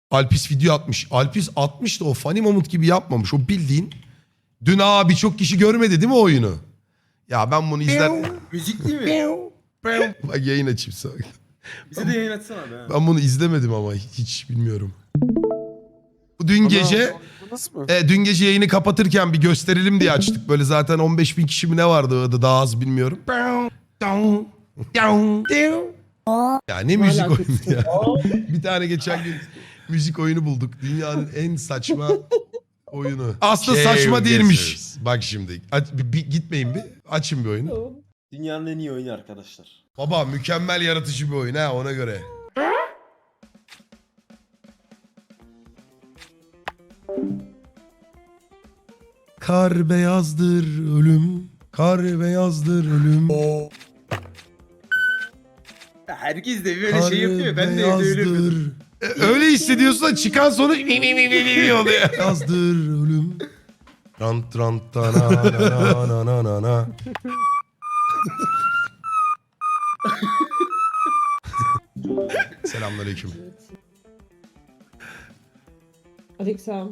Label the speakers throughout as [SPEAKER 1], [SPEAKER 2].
[SPEAKER 1] Alpis video atmış. Alpis atmış da o funny moment gibi yapmamış. O bildiğin. Dün birçok kişi görmedi değil mi o oyunu? Ya ben bunu izler...
[SPEAKER 2] Müzikli mi?
[SPEAKER 1] Bak yayın açayım sana.
[SPEAKER 2] Bize de yayın açsana be.
[SPEAKER 1] Ben bunu izlemedim ama hiç bilmiyorum. Bu dün gece... dün gece yayını kapatırken bir gösterelim diye açtık. Böyle zaten 15.000 kişi mi ne vardı orada, daha az bilmiyorum. Ya ne müzik oyunu ya. Bir tane geçen gün müzik oyunu bulduk. Dünyanın en saçma oyunu. Aslında saçma değilmiş. Bak şimdi. Gitmeyin bir. Açın bir oyunu.
[SPEAKER 2] Dünyanın en iyi oyunu arkadaşlar.
[SPEAKER 1] Baba mükemmel yaratıcı bir oyun ha, ona göre. Kar beyazdır ölüm. Kar beyazdır ölüm.
[SPEAKER 2] Herkes de böyle
[SPEAKER 1] Kar
[SPEAKER 2] şey yapıyor. Ben de evde öyle yapıyordum.
[SPEAKER 1] beyazdır. Öyle hissediyorsun da çıkan sonuç oluyor. Beyazdır ölüm. Rant rant ta na na na na na na. Selamünaleyküm.
[SPEAKER 3] Aleykümselam.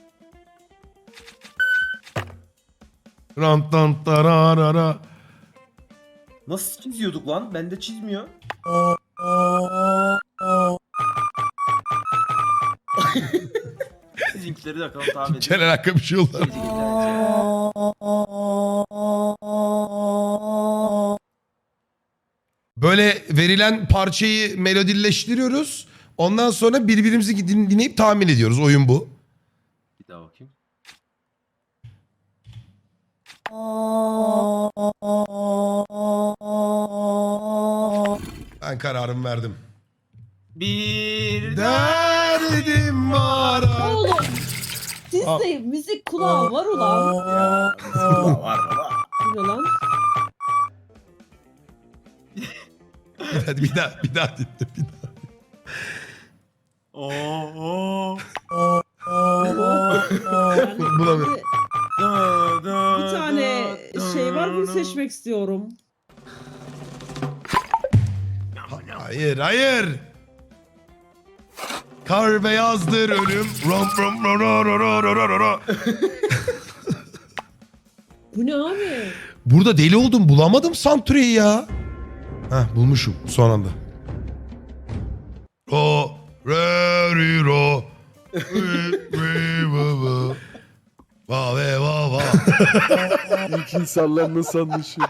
[SPEAKER 1] Rant rant ta ra ra ra.
[SPEAKER 2] Nasıl çiziyorduk lan? Bende çizmiyor. Sizinkileri de bakalım tahmin edin.
[SPEAKER 1] Gel alaka bir şey oldu. Böyle verilen parçayı melodilleştiriyoruz. Ondan sonra birbirimizi dinleyip tahmin ediyoruz. Oyun bu.
[SPEAKER 2] Bir daha bakayım.
[SPEAKER 1] Ben kararımı verdim.
[SPEAKER 2] Bir
[SPEAKER 1] Derdim var.
[SPEAKER 3] Oğlum sizde müzik kulağı var ulan.
[SPEAKER 2] var baba.
[SPEAKER 3] Bu ne lan?
[SPEAKER 1] Hadi bir daha dinle. Bir daha.
[SPEAKER 2] Oo.
[SPEAKER 3] Yani
[SPEAKER 1] Bulamıyorum.
[SPEAKER 3] bir tane şey var, bunu seçmek istiyorum.
[SPEAKER 1] Hayır. Kar beyazdır ölüm. Rom rom ro ro ro ro ro ro ro.
[SPEAKER 3] Bu ne abi?
[SPEAKER 1] Burada deli oldum, bulamadım Santure'yi ya. Heh, bulmuşum son anda. Ro re ri ro ri ri va va va ve va va.
[SPEAKER 4] İlk insanlar nasıl anlaşıyor?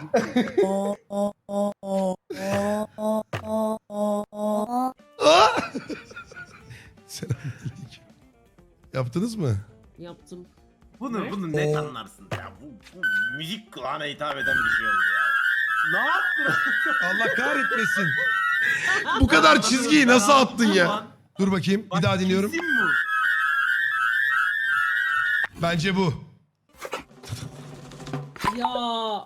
[SPEAKER 1] Selamünaleyküm. Yaptınız mı?
[SPEAKER 3] Yaptım.
[SPEAKER 2] Bunu net anlarsın ya. Bu müzik kulağına hitap eden bir şey oldu ya. Ne yaptın?
[SPEAKER 1] Allah kahretmesin. Bu kadar çizgiyi nasıl attın ya? Dur bakayım, bir daha dinliyorum.
[SPEAKER 2] Kesin bu.
[SPEAKER 1] Bence bu.
[SPEAKER 3] Ya.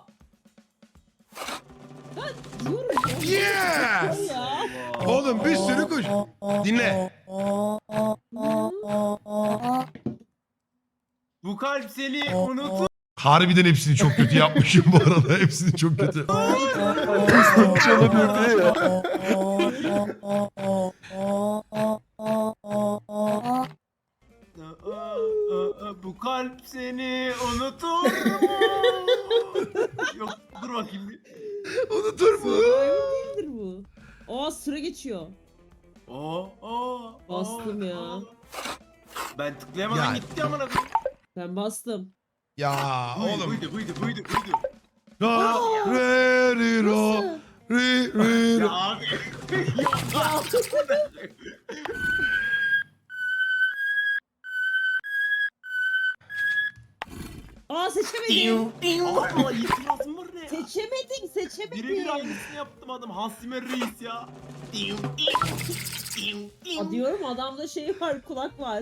[SPEAKER 3] Ben diyorum ya.
[SPEAKER 1] Yes!
[SPEAKER 3] Ya.
[SPEAKER 1] Oğlum bir sürü kuş. Dinle.
[SPEAKER 2] Bu kalp seni unutur.
[SPEAKER 1] Harbiden hepsini çok kötü yapmışım bu arada. Hepsini çok kötü.
[SPEAKER 4] Çalamıyor diye ya.
[SPEAKER 2] Bu kalp seni unutur mu? Yok dur bakayım bir.
[SPEAKER 1] Unutur mu?
[SPEAKER 3] Survivor değildir bu. Aa süre geçiyor.
[SPEAKER 2] Oo.
[SPEAKER 3] Bastım ya.
[SPEAKER 2] Ben tıklayamadan
[SPEAKER 1] Ya.
[SPEAKER 2] gitti amına koyayım.
[SPEAKER 3] Ben bastım.
[SPEAKER 1] Ya oğlum.
[SPEAKER 2] Buydu.
[SPEAKER 1] Ra re ri ro
[SPEAKER 3] Nasıl?
[SPEAKER 1] ri ri
[SPEAKER 2] Ya
[SPEAKER 1] ro.
[SPEAKER 2] abi.
[SPEAKER 3] Aa seçemedim.
[SPEAKER 2] Aa itirazım var ne ya?
[SPEAKER 3] Seçemedin.
[SPEAKER 2] Birebir aynısını yaptım adam. Hasimer Reis ya.
[SPEAKER 3] Aa, diyorum adamda şey var, kulak var.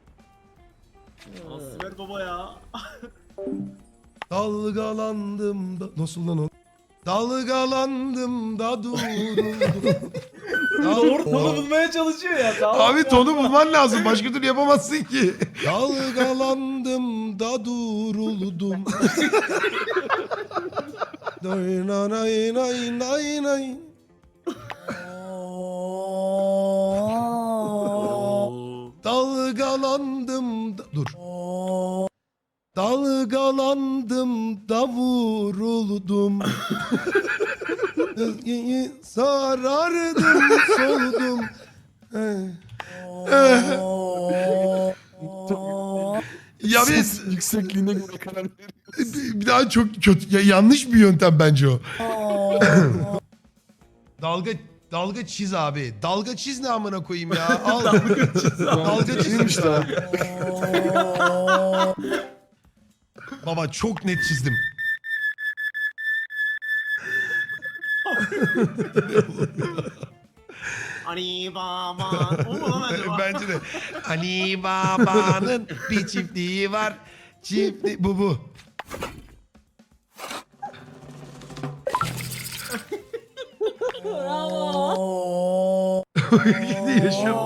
[SPEAKER 2] Hasimer baba ya.
[SPEAKER 1] Dalgalandım da... Nasıl lan o? Dalgalandım da duruldum.
[SPEAKER 2] Doğru tonu bulmaya çalışıyor ya. Tamam.
[SPEAKER 1] Abi tonu bulman lazım. Başka türlü yapamazsın ki. Dalgalandım da duruldum. Nay nay nay nay nay. Dalgalandım dur. Dalgalandım da vuruldum. Sarardım soldum. Ya biz
[SPEAKER 4] Yüksekliğine göre karar veriyoruz.
[SPEAKER 1] bir daha çok kötü yanlış bir yöntem bence o. Dalga çiz abi. Dalga çiz ne amına koyayım ya. Al. Dalga çizmiş sana. Baba çok net çizdim.
[SPEAKER 2] Hani baba. O mu lan acaba?
[SPEAKER 1] Bence de. Hani babanın bir çiftliği var. Bu.
[SPEAKER 3] Bravo.
[SPEAKER 1] Gidi yaşıyor.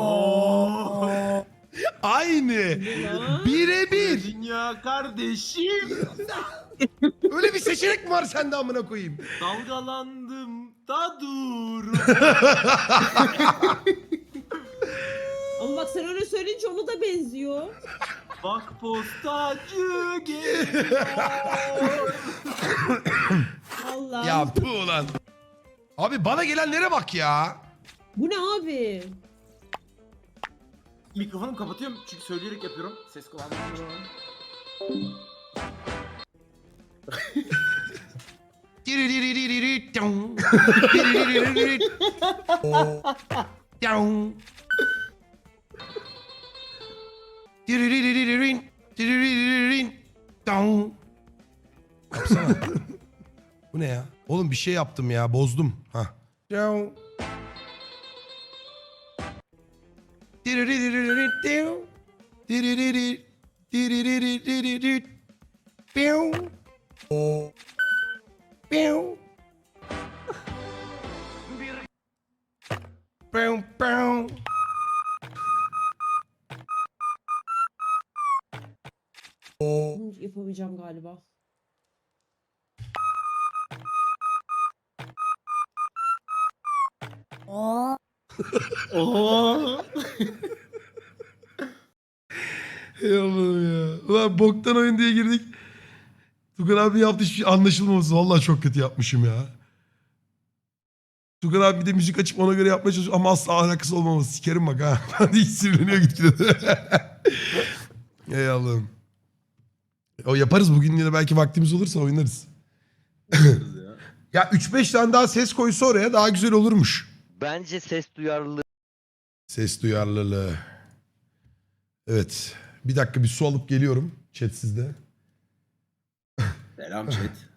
[SPEAKER 1] Aynı.
[SPEAKER 3] Ya.
[SPEAKER 1] Birebir.
[SPEAKER 2] Dünya kardeşim.
[SPEAKER 1] Öyle bir seçenek mi var sende amına koyayım?
[SPEAKER 2] Dalgalandım da dur.
[SPEAKER 3] Ama bak sen öyle söyleyince onu da benziyor.
[SPEAKER 2] Bak postacı geliyor.
[SPEAKER 3] Allah.
[SPEAKER 1] Ya bu ulan. Abi bana gelenlere bak ya.
[SPEAKER 3] Bu ne abi?
[SPEAKER 2] Mikrofonumu kapatıyorum çünkü söyleyerek yapıyorum. Ses kullanmıyorum.
[SPEAKER 1] Yapsana. Bu ne ya? Oğlum bir şey yaptım ya, bozdum. Ha.
[SPEAKER 3] Yapamayacağım galiba.
[SPEAKER 2] Oo.
[SPEAKER 1] Ey Allah'ım ya. Ulan boktan oyun diye girdik. Tugan abi yaptı hiçbir şey anlaşılmaması. Vallahi çok kötü yapmışım ya. Tugan abi bir de müzik açıp ona göre yapmaya çalışıyor ama asla alakası olmaması. Sikerim bak ha. Hadi hiç sinirleniyor gitgide. Ey Allah'ım. O yaparız bugün yine belki vaktimiz olursa oynarız. Ya 3-5 tane daha ses koysa oraya daha güzel olurmuş.
[SPEAKER 5] Bence ses duyarlılığı
[SPEAKER 1] Ses duyarlılığı. Evet. Bir dakika bir su alıp geliyorum. Chat sizde.
[SPEAKER 2] Selam chat.